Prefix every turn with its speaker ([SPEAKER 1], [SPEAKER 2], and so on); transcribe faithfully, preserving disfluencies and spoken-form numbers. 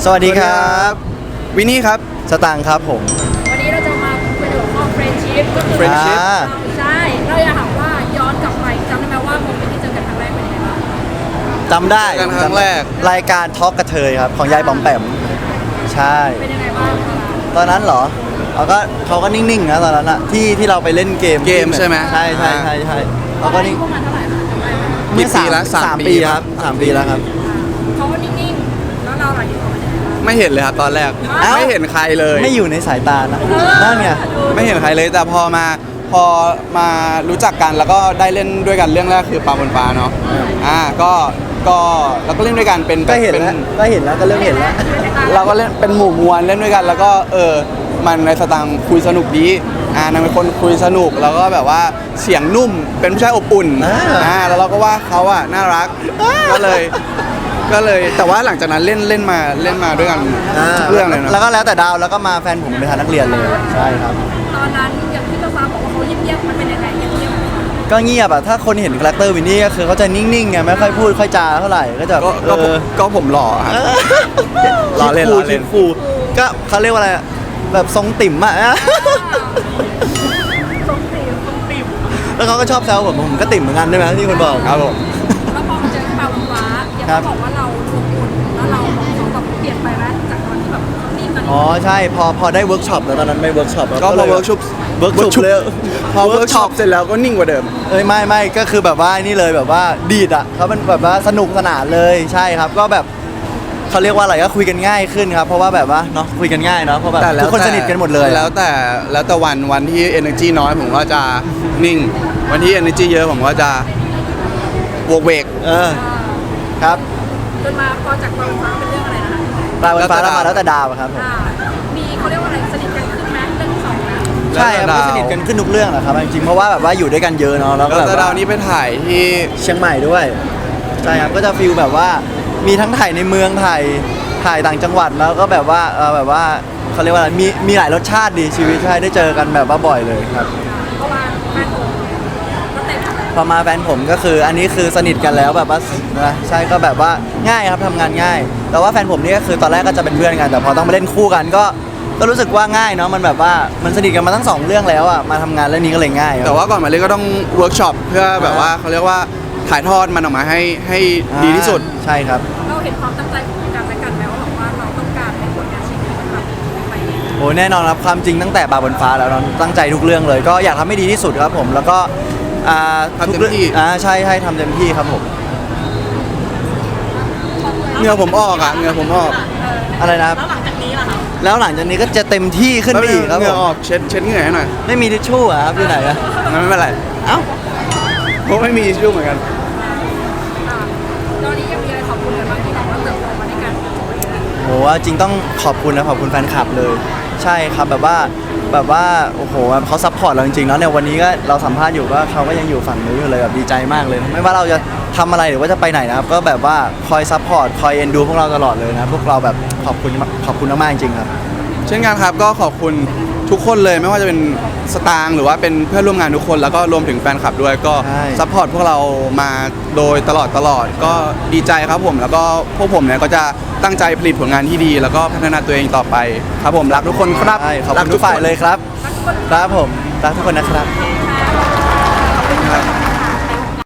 [SPEAKER 1] สวัสดีครับวินนี่ครับสตางค์ครับผม
[SPEAKER 2] วันนี้เราจะมาคุยเรื่องของเฟรนชิพก็คือ
[SPEAKER 1] Friendship
[SPEAKER 2] ใช่เราอยากถามว่าย้อนกลับไปจำได้ไหมว่าโมเมนต์ที่เจอกันครั้งแรกเป็นยังไงบ้าง
[SPEAKER 1] จำได้
[SPEAKER 3] กันครั้งแรก
[SPEAKER 1] รายการทอล์กกระเทยครับของยายบอมแปมใช่
[SPEAKER 2] เป็นยังไงบ้าง
[SPEAKER 1] ตอนนั้นเหรอเขาก็เขาก็นิ่งๆนะตอนนั้นอะที่ที่เราไปเล่นเกม
[SPEAKER 3] เกมใช่ไหม
[SPEAKER 1] ใช่ใช่ใช่ใช่เขาก็นิ่ง
[SPEAKER 2] พวกมันเท่าไหร่คะจำได้ไหม
[SPEAKER 1] เมื่อสาม
[SPEAKER 3] กี่ปีละสาม
[SPEAKER 1] สาม
[SPEAKER 3] ปี
[SPEAKER 1] ปีครับสามปีแล้วครับ
[SPEAKER 2] เขาก็นิ่งๆแล้วเราหลังจากนั้นเป็นยังไงบ้าง
[SPEAKER 3] ไม่เห็นเลยครับตอนแรก
[SPEAKER 1] เอ้า
[SPEAKER 3] ไม่เห็นใครเลย
[SPEAKER 1] ไม่อยู่ในสายตานะนั่นไง
[SPEAKER 3] ไม่เห็นใครเลยแต่พอมาพอมารู้จักกันแล้วก็ได้เล่นด้วยกันเรื่องแรกคือปลาบนฟ้าเนาะอ่าก็ก็เราก็เล่นด้วยกันเป็น
[SPEAKER 1] ก็เห็น
[SPEAKER 3] ป็
[SPEAKER 1] แล้วก็เห็นแล้วก็เริ่มเห็นแล้ว
[SPEAKER 3] เราก็เล่นเป็นหมู่มวลเล่นด้วยกันแล้วก็เออมันในสตางค์คุยสนุกดีอ่านางเป็นคนคุยสนุกแล้วก็แบบว่าเสียงนุ่มเป็นผู้ชายอบอุ่นอ่าแล้วเราก็ว่าเขาอ่ะน่ารักก็เลยก็เลยแต่ว่าหลังจากนั้นเล่นเล่นมาเล่นมาด้วยกันทุกเรื่องเลยนะ
[SPEAKER 1] แล้วก็แล้วแต่ดาวแล้วก็มาแฟนผมเป็นทางนักเรียนเลยใช่ครับ
[SPEAKER 2] ตอนนั้นอย่างที่เราฟ้าบอกว่าเขาเงียบๆมันเป็นยังไงเงียบๆ
[SPEAKER 1] ก็เงียบอะถ้าคนเห็นคาแรคเตอร์วินนี่ก็คือเขาจะนิ่งๆไงไม่ค่อยพูดค่อยจาเท่าไหร่ก็จะ
[SPEAKER 3] ก็ก็ผมก็ผมหล่อครับ ล้อเล่นล้อเล่น
[SPEAKER 1] คิดฟูก็เขาเรียกว่าอะไรอะแบบทรงติ่มอะ
[SPEAKER 2] ทรงติ่มทรงติ่ม
[SPEAKER 1] แล้วเขาก็ชอบแซวผมผมก็ติ่มเหมือนกันใช่ไหมที่คนบอก
[SPEAKER 3] ครับผม
[SPEAKER 2] แล้วพอมาเจอปลาบนฟ้าอย่างที่บอกว่าเราลงทุนแล้วเราเขาแบบเปลี่ยนไปไหมจากตอนที่แบบเขานิ่งตอนนี้
[SPEAKER 1] อ๋อใช่พอพอได้เวิร์กช็อปแล้วตอนนั้นไม่เวิร์กช็อป
[SPEAKER 3] ก็พอเวิร์กช็อป
[SPEAKER 1] เวิร์กช็อปเลย
[SPEAKER 3] พอเวิร์กช็อปเสร็จแล้วก็นิ่งกว่าเดิม
[SPEAKER 1] เอ้ยไม่ไม่ก็คือแบบว่านี่เลยแบบว่าดีดอ่ะเขาเป็นแบบว่าสนุกสนานเลยใช่ครับก็แบบเขาเรียกว่าอะไรก็คุยกันง่ายขึ้นครับเพราะว่าแบบว่าเนาะคุยกันง่ายเนาะเพราะแบบทุกคนสนิทกันหมดเลย
[SPEAKER 3] แล้วแต่แล้วแต่วันวันที่ energy น้อยผมก็จะนิ่ง วันที่ energy เยอะผมก็จะวกเวก
[SPEAKER 1] เออครับ
[SPEAKER 2] จนมาพอจากปลาบนฟ้าเป็นเรื่องอะไรนะคะ
[SPEAKER 1] ปลาบนฟ้าแล้วมาแล้วแต่ดาวอะครับผม
[SPEAKER 2] อ่ามีเขาเรียกว่าอะไรสนิทกันขึ้นไหมเรื่องที่สองนะ
[SPEAKER 1] ใช่ครับก็สนิทกันขึ้นทุกเรื่องแหละครับจริงๆเพราะว่าแบบว่าอยู่ด้วยกันเยอะเนาะแล้วก็
[SPEAKER 3] แล้ว
[SPEAKER 1] แบบ
[SPEAKER 3] แต่ดาว
[SPEAKER 1] ว่า
[SPEAKER 3] นี้ไปถ่ายที่
[SPEAKER 1] เชียงใหม่ด้วยใช่ครับก็จะฟิลแบบว่ามีทั้งถ่ายในเมืองถ่ายถ่ายต่างจังหวัดแล้วก็แบบว่าเออแบบว่าเขาเรียกว่าอะไรมีมีหลายรสชาติดีชีวิตใช่ได้เจอกันแบบว่าบ่อยเลยครับ
[SPEAKER 2] เพราะว่าแฟนผมก็เต็ม
[SPEAKER 1] พอมาแฟนผมก็คืออันนี้คือสนิทกันแล้วแบบว่านะใช่ก็แบบว่าง่ายครับทำงานง่าย แต่ว่าแฟนผมนี่ก็คือตอนแรกก็จะเป็นเพื่อนกันแต่พอต้องมาเล่นคู่กันก็ก็รู้สึกว่าง่ายเนาะมันแบบว่ามันสนิทกันมาทั้งสองเรื่องแล้วอ่ะมาทำงานเรื่องนี้ก็เลยง่ายครับ
[SPEAKER 3] แต่ว่าก่อนมาเล่นก็ต้องเวิร์กช็อปเพื่อแบบว่าเขาเรียกว่าถ่ายทอดมันออกมาให้ให้ดีที่สุด
[SPEAKER 1] ใช่ครับ
[SPEAKER 2] เราเห็นความตั้งใจของกันและกันไหมว่าแบบว่าเราต้องการให้ผลงานชิ้นนี้มันแบบไปเอง
[SPEAKER 1] โอ้แน่นอนครับความจริงตั้งแต่บาบนฟ้าแล้วเนาะตั้งใจทุกเรื่องเลย ก็อยากทำให้ดีที่สุดครับผมแล้วก็อ่า
[SPEAKER 3] ทำเต็ม
[SPEAKER 1] ทุกรื่อง
[SPEAKER 3] ที่
[SPEAKER 1] อ่าใช่ใช่ทำเต็มที่ครับผม
[SPEAKER 3] เหงื่อผมออกอ่ะเหงื่อผมออก
[SPEAKER 1] อะไรนะครับ
[SPEAKER 2] แล้วหลังจากนี้ล่ะครับ
[SPEAKER 1] แล้วหลังจากนี้ก็จะเต็มที่ขึ้นไปอีกครับ
[SPEAKER 3] เห
[SPEAKER 1] ผ
[SPEAKER 3] งื่อ
[SPEAKER 1] ม
[SPEAKER 3] ออกเช็ดเช็ดเหงื่อให้หน่อย
[SPEAKER 1] ไม่มีทิชชู่อะครับอยู่ไหนอะ
[SPEAKER 3] งั้นไม่เป็นไร
[SPEAKER 1] เอ้า
[SPEAKER 3] ผมไม่มีชื่อเหมือนกัน
[SPEAKER 2] อ่าตอนนี้ยังมีอะไรขอบคุณกันบ้างที่แบบว่าเติบโตมาด้วยกัน
[SPEAKER 1] โหจริงต้องขอบคุณนะขอบคุณแฟนคลับเลย ใช่ครับแบบว่าแบบว่าโอ้โหเขาซัพพอร์ตเราจริงๆแล้วเนี่ยวันนี้ก็เราสัมภาษณ์อยู่ว่าเขาก็ยังอยู่ฝั่งนู้นอยู่เลยแบบดีใจมากเลย ไม่ว่าเราจะทำอะไรหรือว่าจะไปไหนนะครับก็แบบว่าคอยซัพพอร์ตคอยเอ็นดูพวกเราตลอดเลยนะพวกเราแบบขอบคุณขอบคุณมากๆจริงๆครับ
[SPEAKER 3] เช่นกันครับก็ขอบคุณทุกคนเลยไม่ว่าจะเป็นสตางค์หรือว่าเป็นเพื่อนร่วมงานทุกคนแล้วก็รวมถึงแฟนคลับด้วยก็
[SPEAKER 1] ใช่
[SPEAKER 3] ซัพพอร์ตพวกเรามาโดยตลอดตลอดก็ดีใจครับผมแล้วก็พวกผมเนี่ยก็จะตั้งใจผลิตผลงานที่ดี แล้วก็พัฒนาตัวเองต่อไปครับผมรักทุกคนครับ
[SPEAKER 1] ใช่ขอบคุณทุกฝ่ายเลยครับ
[SPEAKER 2] ทั้งคน
[SPEAKER 1] ครับผมรักทุกคนนะครับ
[SPEAKER 2] ค่ะ